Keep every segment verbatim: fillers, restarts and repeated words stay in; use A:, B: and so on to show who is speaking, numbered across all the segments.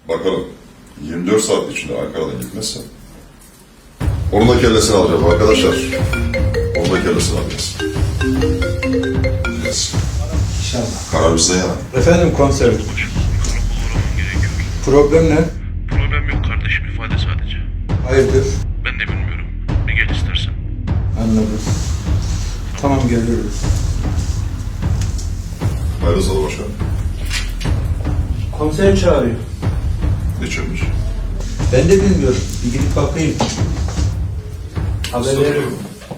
A: Bakalım yirmi dört saat içinde Ankara'dan gitmezse onun da kellesini alacağız arkadaşlar. Onun da kellesini alacağız. Yes.
B: İnşallah.
A: Karar bizde yana.
B: Efendim komiserim. Problem ne?
C: Problem yok kardeşim, ifade sadece.
B: Hayırdır?
C: Ben de bilmiyorum. Bir gel istersen.
B: Anladım. Tamam geliyoruz.
A: Hayırlı salı başkanım.
B: Komiser çağırıyor.
A: Geçirmiş.
B: Ben de bilmiyorum. Bir gidip bakayım. Haber veririm.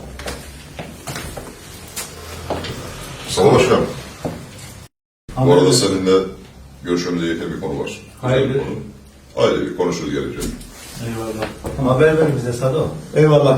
A: Salı başkanım. Bu
B: Haber
A: arada
B: veririm.
A: seninle görüşmemiz gereken bir konu var.
B: Hayırdır?
A: Güzel bir konu. Aile bir konuşuruz gelecek.
B: Eyvallah. Haber ver bize Sado. Eyvallah.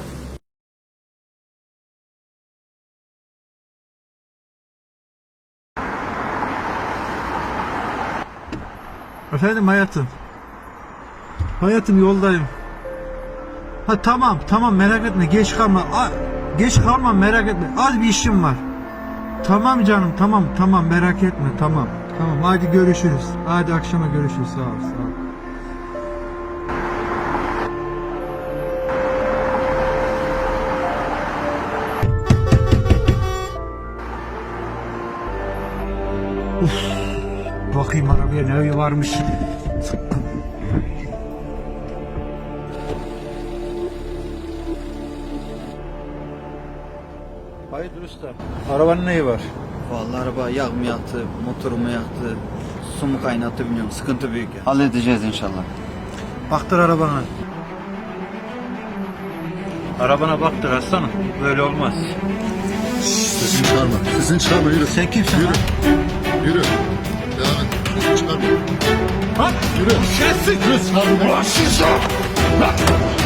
D: Efendim hayatım. Hayatım yoldayım. Ha tamam tamam merak etme geç kalma. A, geç kalma merak etme. Az bir işim var. Tamam canım tamam tamam merak etme tamam. Tamam hadi görüşürüz. Hadi akşama görüşürüz. Sağ ol sağ ol. Uf, bakayım arabaya ne varmış. Hayırdır usta? Arabanın neyi var?
E: Vallahi araba yağ mı yaktı, motorumu yaktı, su mu kaynattı bilmiyorum. Sıkıntı büyük ya. Halledeceğiz inşallah.
D: Baktır arabana. Arabana baktır aslanım. Böyle olmaz.
F: Sesini çıkarma. Sesini çıkarma yürü.
D: Sen kimsin
F: Yürü.
D: lan?
F: Yürü. Devam et. Sesini çıkarma.
D: Bak!
F: Yürü.
D: Şerefsiz!
F: Yürü çıkarma.
D: Ulan şişo! Bak!